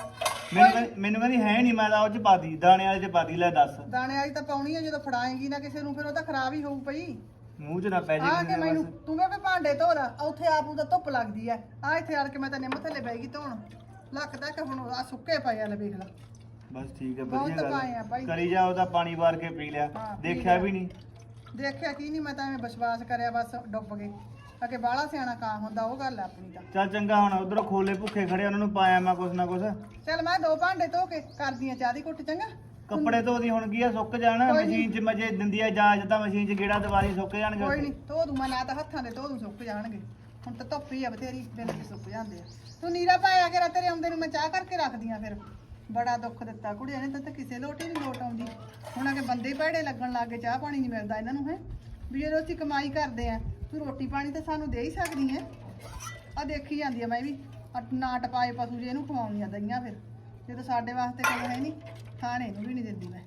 ਮੈਨੂੰ ਕਹਿੰਦੀ ਹੈ ਨਹੀਂ, ਮੈਂ ਤਾਂ ਉਹ ਚ ਪਾਤੀ, ਦਾਣੇ ਵਾਲੇ ਚ ਪਾਤੀ। ਲੈ ਦੱਸ, ਦਾਣੇ ਵਾਲੀ ਤਾਂ ਪਾਉਣੀ ਹੈ, ਜਦੋਂ ਫੜਾਏਗੀ ਨਾ ਕਿਸੇ ਨੂੰ ਫਿਰ ਉਹ ਤਾਂ ਖਰਾਬ ਹੀ ਹੋਊ ਪਈ। ਮੂੰਹ ਚ ਨਾ ਪੈ ਜੇ ਆ ਕੇ ਕਿਸੇ ਦੇ ਮੈਨੂੰ ਬਸ। ਤੂੰ ਵੀ ਭਾਂਡੇ ਧੋ ਲਾ, ਉੱਥੇ ਆਪ ਨੂੰ ਤਾਂ ਧੁੱਪ ਲੱਗਦੀ ਐ। ਆ ਇੱਥੇ ਆੜ ਕੇ ਮੈਂ ਤਾਂ ਨਿੰਮ ਥੱਲੇ ਬਹਿ ਗਈ ਧੋਣ, ਲੱਕ ਤੱਕ ਹੁਣ ਆ ਸੁੱਕੇ ਪਏ ਆ, ਲੈ ਵੇਖ ਲਾ। ਬਸ ਠੀਕ ਹੈ, ਬਹੁਤ ਵਧੀਆ ਪਾਏ ਆ ਭਾਈ। ਗੱਲ ਕਰੀ ਜਾ, ਉਹਦਾ ਪਾਣੀ ਵਾਰ ਕੇ ਪੀ ਲਿਆ, ਹਾਂ, ਪੀ ਦੇਖਿਆ ਲਿਆ। ਵੀ ਨਹੀਂ। ਦੇਖਿਆ ਕੀ ਨਹੀਂ, ਮੈਂ ਤਾਂ ਐਵੇਂ ਵਿਸ਼ਵਾਸ ਕਰਿਆ, ਬਸ ਡੁੱਬ ਗਏ। ਅਗੇ ਬਾਹਲਾ ਸਿਆਣਾ ਕਾਂ ਹੁੰਦਾ, ਉਹ ਗੱਲ ਆ ਆਪਣੀ ਤਾਂ। ਚੱਲ ਚੰਗਾ, ਹੁਣ ਉਧਰੋਂ ਖੋਲੇ ਭੁੱਖੇ ਖੜੇ, ਉਹਨਾਂ ਨੂੰ ਪਾਇਆ ਮੈਂ ਕੁਛ ਨਾ ਕੁਛ। ਚੱਲ ਮੈਂ 2 ਭਾਂਡੇ ਧੋ ਕੇ ਕਰਦੀ ਆ ਚਾਹ ਦੀ ਘੁੱਟ, ਚੰਗਾ। ਕੱਪੜੇ ਧੋਦੀ ਹੁਣ ਕੀ ਆ, ਸੁੱਕ ਜਾਣਾ ਕੋਈ ਨੀ। ਮਸ਼ੀਨ 'ਚ ਮਜੇ ਦਿੰਦੀ ਆ ਇਜਾਜ਼ਤ, ਤਾਂ ਮਸ਼ੀਨ 'ਚ ਗੇੜਾ ਦੁਬਾਰੀ ਸੁੱਕ ਜਾਣਗੇ। ਕੋਈ ਨਹੀਂ ਧੋ ਦੂੰ ਮੈਂ, ਨਾ ਤਾਂ ਹੱਥਾਂ ਦੇ ਧੋ ਦੂੰ, ਸੁੱਕ ਜਾਣਗੇ। ਹੁਣ ਤਾਂ ਧੁੱਪ ਹੀ ਆ ਬਥੇਰੀ, ਦਿਨ ਚ ਸੁੱਕ ਜਾਂਦੇ ਆ। ਤੂੰ ਨੀਰਾ ਪਾਇਆ ਕੇ ਤੇਰੇ ਆਉਂਦੇ ਨੂੰ ਮੈਂ ਚਾਹ ਕਰਕੇ ਰੱਖਦੀ ਆ। ਫਿਰ ਬੜਾ ਦੁੱਖ ਦਿੱਤਾ ਕੁੜੀਆਂ ਨੇ, ਤਾਂ ਕਿਸੇ ਲੋਟ ਹੀ ਨਹੀਂ ਲੋਟ ਆਉਂਦੀ। ਹੁਣ ਅਗੇ ਬੰਦੇ ਭੈੜੇ ਲੱਗਣ ਲੱਗ ਗਏ, ਚਾਹ ਪਾਣੀ ਨਹੀਂ ਮਿਲਦਾ ਇਹਨਾਂ ਨੂੰ, ਹੈ ਵੀ ਜਦੋਂ ਅਸੀਂ ਕਮਾਈ ਕਰਦੇ ਆ, ਤੂੰ ਰੋਟੀ ਪਾਣੀ ਤਾਂ ਸਾਨੂੰ ਦੇ ਹੀ ਸਕਦੀ ਹੈ। ਆ ਦੇਖੀ ਜਾਂਦੀ ਆ ਮੈਂ ਵੀ, ਨਾ ਟਪਾਏ ਪਸ਼ੂ ਜੇ ਇਹਨੂੰ ਖਵਾਉਣੀ ਆ ਦਈਆਂ, ਫਿਰ ਜਦੋਂ ਸਾਡੇ ਵਾਸਤੇ ਕੋਈ ਹੈ ਨਹੀਂ, ਖਾਣੇ ਨੂੰ ਵੀ ਨਹੀਂ ਦਿੰਦੀ ਮੈਂ।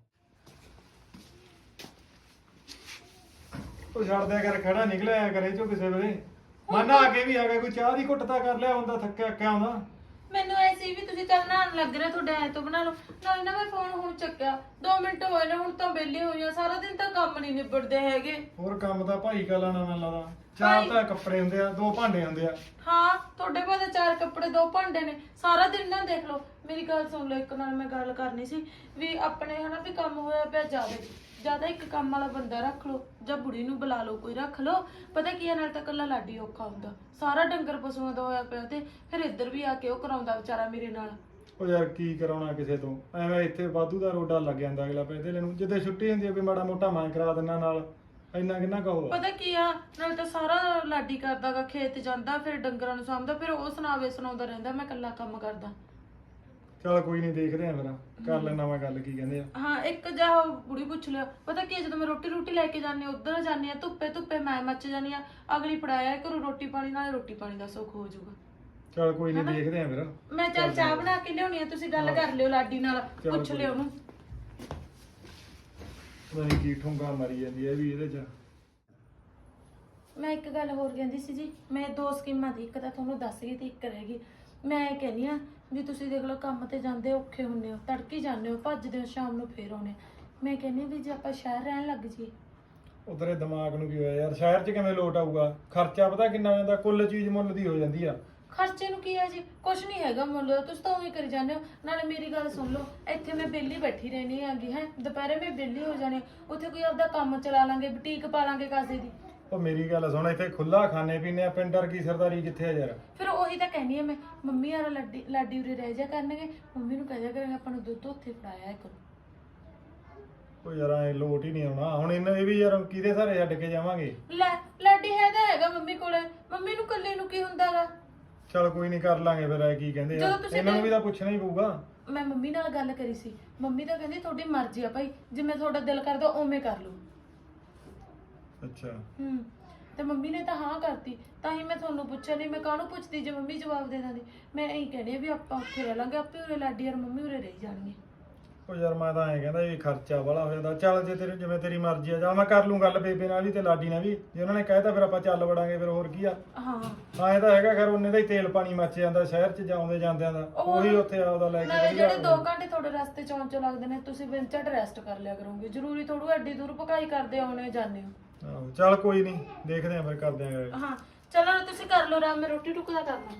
ਉਹ ਛੱਡ ਦਿਆ ਕਰ, ਖੜਾ ਨਿਕਲਿਆ ਕਰੇ ਚੋ ਕਿਸੇ ਵੇਲੇ। ਮਨ ਆ ਕੇ ਵੀ ਆ ਗਿਆ, ਕੋਈ ਚਾਹ ਦੀ ਘੁੱਟ ਤਾਂ ਕਰ ਲਿਆ ਹੁੰਦਾ, ਥੱਕਿਆ ਕਿਆ ਹੁੰਦਾ। ਮੈਨੂੰ ਐਸੀ ਵੀ ਤੁਸੀਂ ਚੱਲ ਨਹਾਉਣ ਲੱਗ ਰਹੇ, ਤੁਹਾਡੇ ਐ ਤੋਂ ਬਣਾ ਲਓ। ਨਾਲੇ ਨਾ ਮੈਂ ਫੋਨ ਹੁਣ ਚੱਕਿਆ, 2 ਮਿੰਟ ਹੋਏ ਨੇ, ਹੁਣ ਤਾਂ ਵਿਹਲੀ ਹੋਈ ਆ। ਸਾਰਾ ਦਿਨ ਤਾਂ ਕੰਮ ਨਹੀਂ ਨਿਬੜਦੇ ਹੈਗੇ। ਹੋਰ ਕੰਮ ਤਾਂ ਭਾਈ ਕਾ ਲਾਣਾ ਮੈਨੂੰ ਲੱਗਦਾ। 4 ਤਾਂ ਕੱਪੜੇ ਹੁੰਦੇ ਆ, 2 ਭਾਂਡੇ ਹੁੰਦੇ ਆ। ਹਾਂ, ਤੁਹਾਡੇ ਕੋਲ ਤਾਂ 4 ਕੱਪੜੇ 2 ਭਾਂਡੇ ਨੇ, ਸਾਰਾ ਦਿਨ ਨਾ ਦੇਖ ਲਓ। ਮੇਰੀ ਗੱਲ ਸੁਣ ਲਓ, ਇੱਕ ਨਾਲ ਮੈਂ ਗੱਲ ਕਰਨੀ ਸੀ ਵੀ ਆਪਣੇ ਹਨਾ ਵੀ ਕੰਮ ਹੋਇਆ ਪਿਆ ਜ਼ਿਆਦਾ ਇੱਕ ਕੰਮ ਵਾਲਾ ਬੰਦਾ ਰੱਖ ਲਓ, ਜਾਂ ਬੁੜੀ ਨੂੰ ਬੁਲਾ ਲਓ, ਕੋਈ ਰੱਖ ਲਓ। ਪਤਾ ਕੀ ਆ, ਨਾਲ ਤਾਂ ਇਕੱਲਾ ਲਾਡੀ ਔਖਾ ਹੁੰਦਾ, ਸਾਰਾ ਡੰਗਰ ਪਸ਼ੂਆਂ ਦਾ ਹੋਇਆ ਪਿਆ, ਤੇ ਫਿਰ ਇੱਧਰ ਵੀ ਆ ਕੇ ਉਹ ਕਰਾਉਂਦਾ ਵਿਚਾਰਾ ਮੇਰੇ ਨਾਲ। ਉਹ ਯਾਰ ਕੀ ਕਰਾਉਣਾ ਕਿਸੇ ਤੋਂ, ਐਵੇਂ ਇੱਥੇ ਵਾਧੂ ਦਾ ਰੋਡਾ ਲੱਗ ਜਾਂਦਾ ਅਗਲਾ ਪੈਦੇ ਲੈਣ ਨੂੰ। ਜਿੱਦੇ ਛੁੱਟੀ ਹੁੰਦੀ ਆ ਵੀ ਮਾੜਾ ਮੋਟਾ ਮੈਂ ਕਰਾ ਦਿੰਦਾ ਨਾਲ, ਇੰਨਾ ਕਿੰਨਾ ਕਹੋ ਪਤਾ ਕੀ ਆ, ਨਾਲ ਤਾਂ ਸਾਰਾ ਲਾਡੀ ਕਰਦਾਗਾ, ਖੇਤ ਜਾਂਦਾ, ਫਿਰ ਡੰਗਰਾਂ ਨੂੰ ਸਾਂਭਦਾ, ਫਿਰ ਉਹ ਸੁਣਾਉਂਦਾ ਰਹਿੰਦਾ ਮੈਂ ਇਕੱਲਾ ਕੰਮ ਕਰਦਾ। ਚਲ ਕੋਈ ਨਹੀਂ, ਦੇਖਦੇ ਆ ਫਿਰ, ਕਰ ਲੈਣਾ ਮੈਂ ਗੱਲ, ਕੀ ਕਹਿੰਦੇ ਆ। ਹਾਂ, ਇੱਕ ਜਾ ਬੁੜੀ ਪੁੱਛ ਲਿਆ। ਪਤਾ ਕੀ ਆ, ਜਦੋਂ ਮੈਂ ਰੋਟੀ ਲੈ ਕੇ ਜਾਂਦੀ ਉਧਰ ਜਾਂਦੀ ਆ, ਧੁੱਪੇ ਮੈਂ ਮੱਚ ਜਾਂਦੀ ਆ, ਅਗਲੀ ਫੜਾਇਆ ਕਰੋ ਰੋਟੀ ਪਾਣੀ, ਨਾਲੇ ਰੋਟੀ ਪਾਣੀ ਦਾ ਸੁੱਖ ਹੋ ਜਾਊਗਾ। ਚਲ ਕੋਈ ਨਹੀਂ, ਦੇਖਦੇ ਆ ਫਿਰ। ਮੈਂ ਚੱਲ ਚਾਹ ਬਣਾ ਕੇ ਲਿਆਉਣੀ ਆ, ਤੁਸੀਂ ਗੱਲ ਕਰ ਲਿਓ ਲਾਡੀ ਨਾਲ, ਪੁੱਛ ਲਿਓ ਉਹਨੂੰ। ਨਹੀਂ ਕੀ ਠੁੰਗਾ ਮਾਰੀ ਜਾਂਦੀ ਹੈ ਵੀ ਇਹਦੇ ਚ। ਮੈਂ ਇੱਕ ਗੱਲ ਹੋਰ ਕਹਿੰਦੀ ਸੀ ਜੀ, ਮੈਂ 2 ਸਕੀਮਾਂ ਦੀ, ਇੱਕ ਤਾਂ ਤੁਹਾਨੂੰ ਦੱਸ ਗਈ ਤੇ ਇੱਕ ਰਹਿ ਗਈ। ਮੈਂ ਇਹ ਕਹਿੰਦੀ ਆ ਵੀ ਤੁਸੀਂ ਦੇਖ ਲਓ ਕੰਮ ਤੇ ਜਾਂਦੇ ਔਖੇ ਹੁੰਦੇ ਹੋ, ਤੜਕੇ ਜਾਂਦੇ ਹੋ, ਭੱਜਦੇ ਹੋ, ਸ਼ਾਮ ਨੂੰ ਫੇਰ ਆਉਣੇ। ਮੈਂ ਕਹਿੰਦੀ ਵੀ ਜੇ ਆਪਾਂ ਸ਼ਹਿਰ ਰਹਿਣ ਲੱਗ ਜੀ। ਉਧਰੇ ਦਿਮਾਗ ਨੂੰ ਕੀ ਹੋਇਆ ਯਾਰ, ਸ਼ਹਿਰ 'ਚ ਕਿਵੇਂ ਲੋਟ ਆਊਗਾ? ਖਰਚਾ ਪਤਾ ਕਿੰਨਾ ਹੋ ਜਾਂਦਾ, ਕੁੱਲ ਚੀਜ਼ ਮੁੱਲ ਦੀ ਹੋ ਜਾਂਦੀ ਆ। ਖਰਚੇ ਨੂੰ ਕੀ ਹੈ ਜੀ, ਕੁਛ ਨਹੀਂ ਹੈਗਾ ਮੁੱਲ, ਤੁਸੀਂ ਤਾਂ ਉਵੇਂ ਕਰੀ ਜਾਂਦੇ ਹੋ। ਨਾਲੇ ਮੇਰੀ ਗੱਲ ਸੁਣ ਲਓ, ਇੱਥੇ ਮੈਂ ਵਿਹਲੀ ਬੈਠੀ ਰਹਿਣੀ ਹੈਗੀ ਹੈ, ਦੁਪਹਿਰੇ ਮੈਂ ਵਿਹਲੀ ਹੋ ਜਾਣੀ, ਉੱਥੇ ਕੋਈ ਆਪਦਾ ਕੰਮ ਚਲਾ ਲਾਂਗੇ, ਬੁਟੀਕ ਪਾ ਲਾਂਗੇ ਕਾਸੇ ਦੀ। ਉਹ ਮੇਰੀ ਗੱਲ ਸੁਣ, ਇੱਥੇ ਖੁੱਲਾ ਖਾਣੇ ਪੀਣੇ ਆ, ਪਿੰਡਰ ਕੀ ਸਰਦਾਰੀ ਕਿੱਥੇ ਆ ਯਾਰ। ਫਿਰ ਉਹੀ ਤਾਂ ਕਹਿੰਦੀ ਆ ਮੈਂ, ਮੰਮੀ ਯਾਰ ਲਾਡੀ ਉਰੇ ਰਹਿ ਜਾ ਕਰਨਗੇ, ਮੰਮੀ ਨੂੰ ਕਹਿ ਜਾ ਕਰਾਂਗੇ ਆਪਾਂ ਨੂੰ ਦੁੱਧ ਉੱਥੇ ਫੜਾਇਆ ਕਰੋ। ਉਹ ਯਾਰ ਐ ਲੋਟ ਹੀ ਨਹੀਂ ਆਉਣਾ ਹੁਣ, ਇਹ ਵੀ ਯਾਰ ਕਿਹਦੇ ਸਾਰੇ ਛੱਡ ਕੇ ਜਾਵਾਂਗੇ? ਲੈ ਲਾਡੀ ਹੈਗਾ ਮੰਮੀ ਕੋਲੇ, ਮੰਮੀ ਨੂੰ ਇਕੱਲੇ ਨੂੰ ਕੀ ਹੁੰਦਾਗਾ। ਚਲ ਕੋਈ ਨਹੀਂ, ਕਰ ਲਾਂਗੇ ਫਿਰ। ਐ ਕੀ ਕਹਿੰਦੇ ਆ, ਜਦੋਂ ਤੁਸੀਂ ਇਹਨਾਂ ਨੂੰ ਵੀ ਤਾਂ ਪੁੱਛਣਾ ਹੀ ਪਊਗਾ। ਮੈਂ ਮੰਮੀ ਨਾਲ ਗੱਲ ਕਰੀ ਸੀ, ਮੰਮੀ ਤਾਂ ਕਹਿੰਦੀ ਤੁਹਾਡੀ ਮਰਜ਼ੀ ਆ ਭਾਈ, ਜਿਵੇਂ ਤੁਹਾਡਾ ਦਿਲ ਕਰਦਾ ਉਵੇਂ ਕਰ ਲਓ। ਅੱਛਾ। ਤੇ ਮੰਮੀ ਨੇ ਤਾਂ ਹਾਂ ਕਰਤੀ, ਤਾਂ ਹੀ ਮੈਂ ਤੁਹਾਨੂੰ ਪੁੱਛਿਆ, ਨਹੀਂ ਮੈਂ ਕਾਹਨੂੰ ਪੁੱਛਦੀ ਜੇ ਮੰਮੀ ਜਵਾਬ ਦੇ ਦਿੰਦੀ। ਮੈਂ ਇਹੀ ਕਹਿੰਦੀ ਆ ਵੀ ਆਪਾਂ ਉੱਥੇ ਰਹਿ ਲਾਂਗੇ, ਆਪੇ ਉਰੇ ਲਾਡੀ ਯਾਰ ਮੰਮੀ ਉਰੇ ਰਹੀ ਜਾਣਗੇ। ਉਹ ਯਾਰ ਮੈਂ ਤਾਂ ਐਂ ਕਹਿੰਦਾ ਇਹ ਖਰਚਾ ਵਾਲਾ ਹੋ ਜਾਂਦਾ। ਚੱਲ ਜੇ ਤੇਰੇ ਜਿਵੇਂ ਤੇਰੀ ਮਰਜ਼ੀ ਆ, ਜਾਂ ਮੈਂ ਕਰ ਲੂੰ ਗੱਲ ਬੇਬੇ ਨਾਲ ਵੀ ਤੇ ਲਾਡੀ ਨਾਲ ਵੀ, ਜੇ ਉਹਨਾਂ ਨੇ ਕਹਿਤਾ ਫਿਰ ਆਪਾਂ ਚੱਲ ਵੜਾਂਗੇ, ਫਿਰ ਹੋਰ ਕੀ ਆ। ਹਾਂ ਐਂ ਤਾਂ ਹੈਗਾ ਖੈਰ, ਉਹਨੇ ਦਾ ਹੀ ਤੇਲ ਪਾਣੀ ਮੱਚ ਜਾਂਦਾ ਸ਼ਹਿਰ 'ਚ ਜਾਉਂਦੇ ਜਾਂਦਿਆਂ ਦਾ, ਉਹੀ ਉੱਥੇ ਆਪਦਾ ਲੈ ਕੇ ਨਾਲੇ ਵਧੀਆ ਜਿਹੜੇ 2 ਘੰਟੇ ਤੁਹਾਡੇ ਰਸਤੇ ਚੋਂ ਲੱਗਦੇ ਨੇ, ਤੁਸੀਂ ਬਿਨ ਝਟ ਰੈਸਟ ਕਰ ਲਿਆ ਕਰੋਗੇ। ਜ਼ਰੂਰੀ ਥੋੜੂ ਐਡੀ ਦੂਰ ਭਕਾਈ ਕਰਦੇ ਆਉਣੇ ਜਾਂਦੇ ਹੋ। ਆਹੋ ਚੱਲ ਕੋਈ ਨਹੀਂ, ਦੇਖਦੇ ਆਂ ਫਿਰ, ਕਰਦੇ ਆਂ। ਹਾਂ ਚਲੋ ਤੁਸੀਂ ਕਰ ਲਓ ਆਰਾਮ, ਮੈਂ ਰੋਟੀ ਟੁੱਕ ਦਾ ਕਰਨਾ।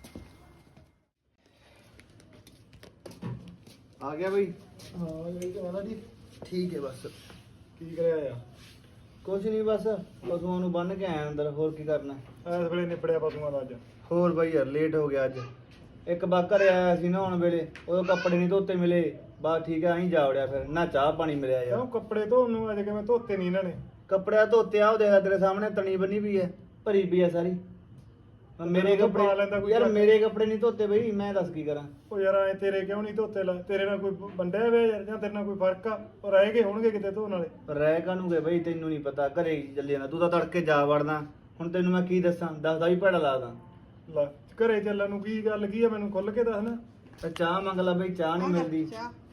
ਆ ਗਿਆ ਬਈ? ਹਾਂ ਇਹ ਕਹਿੰਦਾ ਜੀ। ਠੀਕ ਹੈ ਬਸ। ਕੀ ਕਰਿਆ ਆ? ਕੁਛ ਨਹੀਂ, ਬਸ ਪਸ਼ੂਆਂ ਨੂੰ ਬੰਨ ਕੇ ਆਇਆ ਅੰਦਰ, ਹੋਰ ਕੀ ਕਰਨਾ। ਇਸ ਵੇਲੇ ਨਿਪੜਿਆ ਪਸ਼ੂਆਂ ਦਾ ਅੱਜ? ਹੋਰ ਬਾਈ ਯਾਰ ਲੇਟ ਹੋ ਗਿਆ ਅੱਜ। ਇੱਕ ਬਾਕਰ ਆਇਆ ਸੀ ਨਹਾਉਣ ਵੇਲੇ, ਉਹ ਕੱਪੜੇ ਨਹੀਂ ਧੋਤੇ ਮਿਲੇ, ਬਸ ਠੀਕ ਆ, ਅਸੀਂ ਜਾ ਵੜਿਆ, ਫਿਰ ਨਾ ਚਾਹ ਪਾਣੀ ਮਿਲਿਆ ਯਾਰ। ਕਿਉਂ ਕੱਪੜੇ ਧੋਣ ਨੂੰ ਅੱਜ ਕਿਵੇਂ ਧੋਤੇ ਨਹੀਂ ਇਹਨਾਂ ਨੇ? ਕੱਪੜਿਆਂ ਧੋਤੇ ਆ, ਉਹ ਦੇਖ ਤੇਰੇ ਸਾਹਮਣੇ ਤਣੀ ਬੰਨੀ ਪਈ ਹੈ, ਭਰੀ ਪਈ ਹੈ ਸਾਰੀ। ਮੇਰੇ ਤੈਨੂੰ ਪਾ ਲੈਂਦਾ ਕੱਪੜੇ ਕੋਈ ਯਾਰ, ਚੱਕ। ਮੇਰੇ ਕੱਪੜੇ ਨਹੀਂ ਧੋਤੇ ਬਈ, ਮੈਂ ਦੱਸ ਕੀ ਕਰਾਂ। ਉਹ ਯਾਰ ਐ ਤੇਰੇ ਕਿਉਂ ਨਹੀਂ ਧੋਤੇ? ਲਾ ਤੇਰੇ ਨਾਲ ਕੋਈ ਵੰਡਿਆ ਵੇ ਯਾਰ, ਜਾਂ ਤੇਰੇ ਨਾਲ ਕੋਈ ਫਰਕ ਆ? ਉਹ ਰਹਿ ਗਏ ਹੋਣਗੇ ਕਿਤੇ ਧੋਣ ਵਾਲੇ। ਰਹਿ ਕਾਹਨੂੰ ਗਏ ਬਈ, ਤੈਨੂੰ ਨਹੀਂ ਪਤਾ, ਘਰੇ ਚੱਲੇ ਜਾਣਾ, ਤੂੰ ਤਾਂ ਤੜਕੇ ਜਾ ਵੜਦਾ। ਹੁਣ ਤੈਨੂੰ ਮੈਂ ਕੀ ਦੱਸਾਂ, ਦੱਸਦਾ ਵੀ ਭੈੜਾ ਲੱਗਦਾ। ਲੈ ਘਰੇ ਚੱਲਣ ਨੂੰ ਕੀ ਗੱਲ ਕੀ ਆ, ਮੈਨੂੰ ਖੁੱਲ ਕੇ ਦੱਸ ਨਾ। ਤਾਂ ਚਾਹ ਮੰਗ ਲੈ ਬਈ, ਚਾਹ ਨਹੀਂ ਮਿਲਦੀ।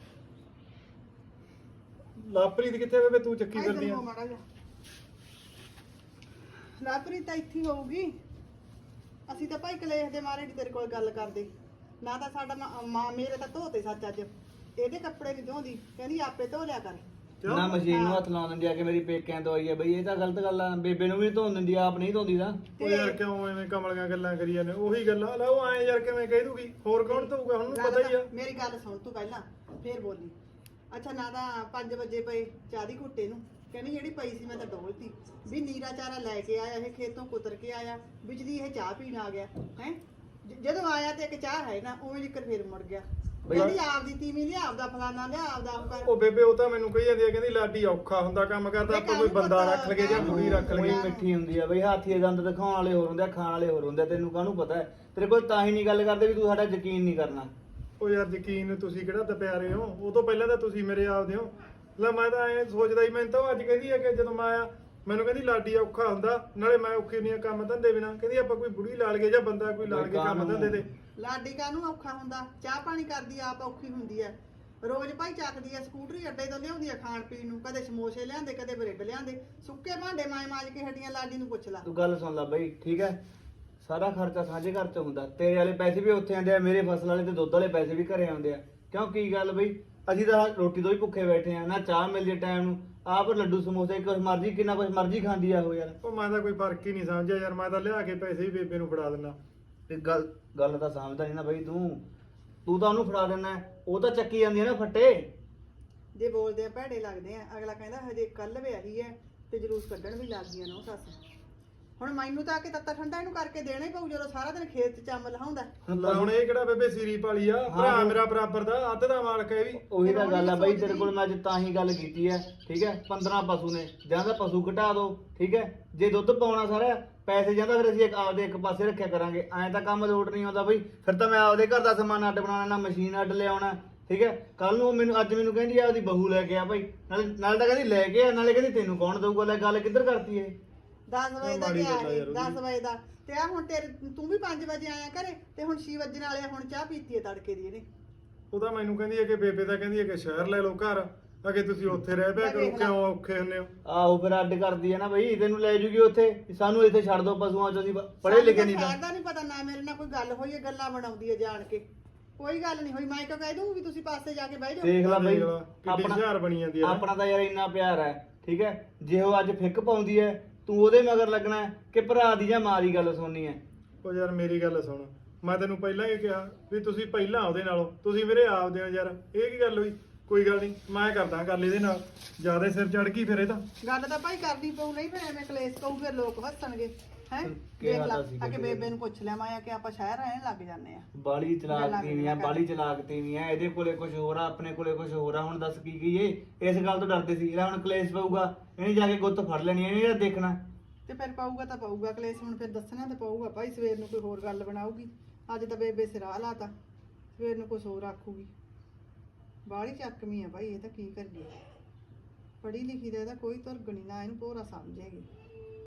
ਲਾਪਰੀਤ ਕਿੱਥੇ ਵੇ? ਤੂੰ ਚੱਕੀ ਫਿਰਦੀ ਆ। ਲਾਪਰੀ ਤਾਂ ਇੱਥੇ ਹੀ ਹੋਊਗੀ। ਅਸੀਂ ਤਾਂ ਭਾਈ ਕਲੇਸ਼ ਦੇ ਮਾਰੇ ਨੀ ਤੇਰੇ ਕੋਲ ਗੱਲ ਕਰਦੇ, ਨਾ ਤਾਂ ਸਾਡਾ ਮਾਂ ਮੇਰੇ ਤਾਂ ਧੋਤੇ ਸੱਚ ਅੱਜ, ਇਹਦੇ ਕੱਪੜੇ ਨਹੀਂ ਧੋਂਦੀ, ਕਹਿੰਦੀ ਆਪੇ ਧੋ ਲਿਆ ਕਰ। ਨਾ ਮਸ਼ੀਨ ਨੂੰ ਹੱਥ ਲਾਉਣ ਦਿੰਦੀ ਆ ਕਿ ਮੇਰੀ ਪੇਕਿਆਂ ਤੋਂ ਆਈ ਹੈ ਬਈ, ਇਹ ਤਾਂ ਗਲਤ ਗੱਲ ਆ। ਬੇਬੇ ਨੂੰ ਵੀ ਧੋਣ ਦਿੰਦੀ ਆ, ਆਪ ਨਹੀਂ ਧੋਂਦੀ ਤਾਂ। ਉਹ ਯਾਰ ਕਿਉਂ ਐਵੇਂ ਕਮਲੀਆਂ ਗੱਲਾਂ ਕਰੀ ਜਾਂਦੇ? ਉਹੀ ਗੱਲਾਂ ਲੈ, ਉਹ ਐਂ ਯਾਰ ਕਿਵੇਂ ਕਹਿ ਦੂਗੀ? ਹੋਰ ਕੌਣ ਧੋਊਗਾ? ਹੁਣ ਨੂੰ ਪਤਾ ਹੀ ਆ। ਮੇਰੀ ਗੱਲ ਸੁਣ ਤੂੰ ਪਹਿਲਾਂ, ਫੇਰ ਬੋਲੀ। ਅੱਛਾ, ਨਾ ਤਾਂ 5 ਵਜੇ ਪਏ ਚਾਹ ਦੀ ਘੁੱਟੇ ਨੂੰ, ਕਹਿੰਦੀ ਜਿਹੜੀ ਪਈ ਸੀ ਮੈਂ ਤਾਂ ਡੋਲਤੀ। ਵੀ ਨੀਰਾ ਚਾਰਾ ਲੈ ਕੇ ਆਇਆ, ਇਹ ਖੇਤੋਂ ਕੁਤਰ ਕੇ ਆਇਆ, ਬਿਜਲੀ ਇਹ ਚਾਹ ਪੀਣ ਆ ਗਿਆ ਹੈ। ਜਦੋਂ ਆਇਆ ਤੇ ਇੱਕ ਚਾਹ ਹੈ ਨਾ, ਉਵੇਂ ਜਿੱਕਰ ਫੇਰ ਮੁੜ ਗਿਆ। ਕਹਿੰਦੀ ਆਪਦੀ ਤੀਵੀਂ ਲਿਆ, ਆਪਦਾ ਫਲਾਨਾ ਲਿਆ, ਆਪਦਾ ਉਹ ਕਰ। ਉਹ ਬੇਬੇ ਉਹ ਤਾਂ ਮੈਨੂੰ ਕਹੀ ਜਾਂਦੀ ਆ, ਕਹਿੰਦੀ ਲਾਡੀ ਔਖਾ ਹੁੰਦਾ ਕੰਮ ਕਰਦਾ, ਆਪਾਂ ਕੋਈ ਬੰਦਾ ਰੱਖ ਲਈਏ ਜਾਂ ਕੁੜੀ ਰੱਖ ਉਹੀ ਲਈਏ। ਮਿੱਠੀ ਹੁੰਦੀ ਆ ਬਈ, ਹਾਥੀ ਦੇ ਦੰਦ ਦਿਖਾਉਣ ਵਾਲੇ ਹੋਰ ਹੁੰਦੇ ਆ, ਖਾਣ ਵਾਲੇ ਹੋਰ ਹੁੰਦੇ ਆ। ਤੈਨੂੰ ਕਾਹਨੂੰ ਪਤਾ ਹੈ? ਤੇਰੇ ਕੋਲ ਤਾਂ ਹੀ ਨਹੀਂ ਗੱਲ ਕਰਦੇ ਵੀ ਤੂੰ ਸਾਡਾ ਯਕੀਨ ਨਹੀਂ ਕਰਨਾ। ਉਹ ਯਾਰ ਯਕੀਨ ਤੁਸੀਂ ਕਿਹੜਾ ਦਪਿਆ ਰਹੇ ਹੋ? ਉਹ ਤੋਂ ਪਹਿਲਾਂ ਤਾਂ ਤੁਸੀਂ ਮੇਰੇ ਆਪਦੇ ਹੋ। ਲੈ ਮੈਂ ਤਾਂ ਐਂ ਸੋਚਦਾ ਹੀ, ਮੈਨੂੰ ਤਾਂ ਉਹ ਅੱਜ ਕਹਿੰਦੀ ਆ ਕਿ ਜਦੋਂ ਮੈਂ ਆਇਆ ਮੈਨੂੰ ਕਹਿੰਦੀ ਲਾਡੀ ਔਖਾ ਹੁੰਦਾ, ਨਾਲੇ ਮੈਂ ਔਖੀ ਹੁੰਦੀ ਆ ਕੰਮ ਧੰਦੇ ਬਿਨਾਂ। ਕਹਿੰਦੀ ਆਪਾਂ ਕੋਈ ਬੁੜੀ ਲਾ ਲਈਏ ਜਾਂ ਬੰਦਾ ਕੋਈ ਲਾ ਲਈਏ ਕੰਮ ਧੰਦੇ ਤੇ। ਲਾਡੀ ਕਾਹਨੂੰ ਔਖਾ ਹੁੰਦਾ, ਚਾਹ ਪਾਣੀ ਕਰਦੀ ਆ, ਆਪ ਔਖੀ ਹੁੰਦੀ ਆ। ਰੋਜ਼ ਭਾਈ ਚੱਕਦੀ ਆ ਸਕੂਟਰੀ, ਅੱਡੇ ਤੋਂ ਲਿਆਉਂਦੀ ਆ ਖਾਣ ਪੀਣ ਨੂੰ, ਕਦੇ ਸਮੋਸੇ ਲਿਆਂਦੇ, ਕਦੇ ਬ੍ਰੈਡ ਲਿਆਂਦੇ, ਸੁੱਕੇ ਭਾਂਡੇ ਮਾਜ ਕੇ ਹੱਡੀਆਂ। ਲਾਡੀ ਨੂੰ ਪੁੱਛ ਲਾ। ਤੂੰ ਗੱਲ ਸੁਣ ਲੈ ਬਈ, ਠੀਕ ਹੈ? ਸਾਰਾ ਖਰਚਾ ਸਾਂਝੇ ਘਰ ਚ ਹੁੰਦਾ, ਤੇਰੇ ਵਾਲੇ ਪੈਸੇ ਵੀ ਉੱਥੇ ਆਉਂਦੇ ਆ, ਮੇਰੇ ਫਸਲ ਵਾਲੇ ਤੇ ਦੁੱਧ ਵਾਲੇ ਪੈਸੇ ਵੀ ਘਰੇ ਆਉਂਦੇ ਆ। ਕਿਉਂ ਕੀ ਗੱਲ ਬਈ? ਅਸੀਂ ਤਾਂ ਰੋਟੀ ਤੋਂ ਹੀ ਭੁੱਖੇ ਬੈਠੇ ਆ, ਨਾ ਚਾਹ ਮਿਲਦੀ ਟਾਈਮ ਨੂੰ, ਆਪ ਲੱਡੂ ਸਮੋਸੇ ਕੁਛ ਮਰਜ਼ੀ, ਕਿੰਨਾ ਕੁਛ ਮਰਜ਼ੀ ਖਾਂਦੀ ਆ ਉਹ ਯਾਰ। ਉਹ ਮੈਂ ਤਾਂ ਕੋਈ ਫਰਕ ਹੀ ਨਹੀਂ ਸਮਝਿਆ ਯਾਰ, ਮੈਂ ਤਾਂ ਲਿਆ ਕੇ ਪੈਸੇ ਵੀ ਬੇਬੇ ਨੂੰ ਫੜਾ ਦਿੰਦਾ। ਤੇ ਗੱਲ ਤਾਂ ਸਮਝਦਾ ਨਹੀਂ ਨਾ ਬਈ ਤੂੰ ਤਾਂ ਉਹਨੂੰ ਫੜਾ ਦਿੰਦਾ, ਉਹ ਤਾਂ ਚੱਕੀ ਜਾਂਦੀ ਆ ਨਾ ਫੱਟੇ। ਜੇ ਬੋਲਦੇ ਆ ਭੈੜੇ ਲੱਗਦੇ ਆ, ਅਗਲਾ ਕਹਿੰਦਾ ਹਜੇ ਕੱਲ ਵਿਆਹੀ ਐ ਤੇ ਜਲੂਸ ਕੱਢਣ ਵੀ ਲੱਗ ਗਈਆਂ ਨੋ ਸੱਸ। ਹੁਣ ਮੈਨੂੰ ਤਾਂ ਆ ਕੇ ਤੱਤਾ ਠੰਡਾ ਇਹਨੂੰ ਕਰਕੇ ਦੇਣਾ ਹੀ ਪਊ ਜਦੋਂ ਸਾਰਾ ਦਿਨ ਖੇਤ 'ਚ ਚੰਮ ਲਹਾਉਂਦਾ। ਲੈ ਹੁਣ ਇਹ ਕਿਹੜਾ ਬੇਬੇ ਸੀਰੀ ਪਾਲੀ ਆ, ਭਰਾ ਹਾਂ। ਮੇਰਾ ਬਰਾਬਰ ਦਾ, ਅੱਧ ਦਾ ਮਾਲਕ ਹੈ ਇਹ ਵੀ। ਉਹੀ ਤਾਂ ਗੱਲ ਆ ਬਾਈ, ਸੋਚਦੀ। ਤੇਰੇ ਕੋਲ ਮੈਂ ਅੱਜ ਤਾਂ ਹੀ ਗੱਲ ਕੀਤੀ ਹੈ, ਠੀਕ ਹੈ। 15 ਪਸ਼ੂ ਨੇ, ਜਾਂ ਤਾਂ ਪਸ਼ੂ ਘਟਾ ਦਿਓ, ਠੀਕ ਹੈ। ਜੇ ਦੁੱਧ ਪਾਉਣਾ ਸਾਰਾ ਪੈਸੇ ਜਾਂਦਾ, ਫਿਰ ਅਸੀਂ ਆਪਦੇ ਇੱਕ ਪਾਸੇ ਰੱਖਿਆ ਕਰਾਂਗੇ। ਐਂ ਤਾਂ ਕੰਮ ਲੋਟ ਨਹੀਂ ਆਉਂਦਾ ਬਈ, ਫਿਰ ਤਾਂ ਮੈਂ ਆਪਦੇ ਘਰ ਦਾ ਸਮਾਨ ਅੱਡ ਬਣਾਉਣਾ, ਨਾ ਮਸ਼ੀਨ ਅੱਡ ਲਿਆਉਣਾ, ਠੀਕ ਹੈ। ਕੱਲ ਨੂੰ ਅੱਜ ਮੈਨੂੰ ਕਹਿੰਦੀ ਆ ਉਹਦੀ ਬਹੂ ਲੈ ਕੇ ਆ ਭਾਈ, ਨਾਲ ਤਾਂ ਕਹਿੰਦੀ ਲੈ ਕੇ ਆ, ਨਾਲੇ ਕਹਿੰਦੀ ਤੈਨੂੰ ਕੌਣ ਦਊਗਾ। ਲੈ ਗੱਲ ਕਿੱਧਰ ਕਰਤੀ ਇਹ? 10 ਵਜੇ ਦਾ ਮਾੜੀ ਗਿਆ ਗੱਲ ਆ ਯਾਰ ਉਹਦੀ। 10 ਵਜੇ ਦਾ ਤੇ ਆ ਹੁਣ ਤੂੰ ਵੀ 5 ਵਜੇ ਆਇਆ ਘਰੇ ਤੇ ਹੁਣ 6 ਵਜੇ ਵਾਲੇ ਹੁਣ ਚਾਹ ਪੀਤੀ ਹੈ ਤੜਕੇ ਦੀ ਇਹਨੇ। ਉਹ ਤਾਂ ਮੈਨੂੰ ਕਹਿੰਦੀ ਹੈ ਕਿ ਬੇਬੇ ਤਾਂ ਕਹਿੰਦੀ ਹੈ ਕਿ ਸ਼ਹਿਰ ਲੈ ਲਓ ਘਰ, ਅਗੇ ਤੁਸੀਂ ਉੱਥੇ ਰਹਿ ਪਿਆ ਕਰੋ, ਕਿਉਂ ਔਖੇ ਹੁੰਨੇ ਹੋ? ਆਹੋ ਫਿਰ ਅੱਡ ਕਰਦੀ ਹੈ ਨਾ ਬਈ, ਤੈਨੂੰ ਲੈ ਜੂਗੀ ਉੱਥੇ, ਸਾਨੂੰ ਇੱਥੇ ਛੱਡ ਦੋ ਪਸ਼ੂਆਂ ਚ, ਅਸੀਂ ਪੜ੍ਹੇ ਲਿਖੇ ਨਹੀਂ ਤਾਂ। ਸ਼ਹਿਰ ਦਾ ਨਹੀਂ ਪਤਾ ਨਾ, ਮੇਰੇ ਨਾਲ ਕੋਈ ਗੱਲ ਹੋਈ ਹੈ, ਗੱਲਾਂ ਬਣਾਉਂਦੀ ਹੈ ਜਾਣ ਕੇ। ਕੋਈ ਗੱਲ ਨਹੀਂ ਹੋਈ, ਮੈਂ ਕਿਉਂ ਕਹਿ ਦੂੰ ਵੀ ਤੁਸੀਂ ਪਾਸੇ ਜਾ ਕੇ ਬਹਿ ਜਾਓ। ਦੇਖ ਲੈ ਬਈ, ਦੇਖ ਲਾ, ਕਿੱਡੀ ਆਪਣਾ ਹੁਸ਼ਿਆਰ ਬਣੀ ਜਾਂਦੀ ਹੈ ਨਾ। ਆਪਣਾ ਤਾਂ ਯਾਰ ਇੰਨਾ ਪਿਆਰ ਹੈ, ਠੀਕ ਹੈ। ਜੇ ਉਹ ਅੱਜ ਫਿੱਕ ਪਾਉਂਦੀ ਹੈ, ਤੂੰ ਉਹਦੇ ਮਗਰ ਲੱਗਣਾ ਹੈ ਕਿ ਭਰਾ ਦੀ ਜਾਂ ਮਾਂ ਦੀ ਗੱਲ ਸੁਣਨੀ ਹੈ? ਉਹ ਯਾਰ ਮੇਰੀ ਗੱਲ ਸੁਣ, ਮੈਂ ਤੈਨੂੰ ਪਹਿਲਾਂ ਹੀ ਕਿਹਾ ਵੀ ਤੁਸੀਂ ਪਹਿਲਾਂ ਉਹਦੇ ਨਾਲੋਂ, ਤੁਸੀਂ ਮੇਰੇ ਆਪਦੇ ਹੋ ਯਾਰ। ਇਹ ਕੀ ਗੱਲ ਹੋਈ? ਕੋਈ ਗੱਲ ਨਹੀਂ, ਮੈਂ ਕਰਦਾ ਗੱਲ ਇਹਦੇ ਨਾਲ। ਜਿਆਦਾ ਸਿਰ ਚੜ ਗਈ ਫਿਰ ਇਹ ਤਾਂ। ਗੱਲ ਤਾਂ ਭਾਈ ਕਰਨੀ ਪਊ, ਨਹੀਂ ਫਿਰ ਐਵੇਂ ਕਲੇਸ਼ ਪਊ, ਫਿਰ ਲੋਕ ਹੱਸਣਗੇ ਹੈ। ਕਿਹਾ ਦੇਖ ਲਾ ਤਾਂ ਸੀ ਆ ਕੇ ਬੇਬੇ ਬੇਬੇ ਨੂੰ ਪੁੱਛ ਲਿਆ ਮੈਂ ਕਿ ਆਪਾਂ ਸ਼ਹਿਰ ਰਹਿਣ ਲੱਗ ਜਾਂਦੇ ਆ। ਬਾਲੀ ਚਲਾਕ ਤੀਵੀਆਂ, ਬਾਲੀ ਚਲਾਕ ਤੀਵੀਆਂ। ਇਹਦੇ ਕੋਲੇ ਕੁਝ ਹੋਰ ਆ, ਆਪਣੇ ਕੋਲੇ ਕੁਝ ਹੋਰ ਆ। ਹੁਣ ਦੱਸ ਕੀ ਕਹੀਏ? ਇਸ ਗੱਲ ਤੋਂ ਡਰਦੇ ਸੀ। ਇਹਦਾ ਹੁਣ ਕਲੇਸ਼ ਪਊਗਾ, ਇਹਨੇ ਜਾ ਕੇ ਗੁੱਤ ਫੜ ਲੈਣੀ, ਇਹਨੇ ਜਿਹੜਾ ਦੇਖਣਾ। ਤੇ ਫਿਰ ਪਾਊਗਾ ਤਾਂ ਪਾਊਗਾ ਕਲੇਸ਼, ਹੁਣ ਫਿਰ ਦੱਸਣਾ ਤਾਂ ਪਊਗਾ ਭਾਈ। ਸਵੇਰ ਨੂੰ ਕੋਈ ਹੋਰ ਗੱਲ ਬਣਾਊਗੀ, ਅੱਜ ਤਾਂ ਬੇਬੇ ਸਿਰਾ ਲਾਤਾ, ਸਵੇਰ ਨੂੰ ਕੁਝ ਹੋਰ ਆਖੂਗੀ। ਬਾਹਲੀ ਚੱਕਵੀਂ ਆ ਭਾਈ, ਇਹ ਤਾਂ ਕੀ ਕਰੀਏ। ਪੜ੍ਹੀ ਲਿਖੀ ਦਾ ਇਹਦਾ ਕੋਈ ਧੁਰਗ ਨੀ, ਨਾ ਇਹਨੂੰ ਭੋਰਾ ਸਮਝੇਗੀ।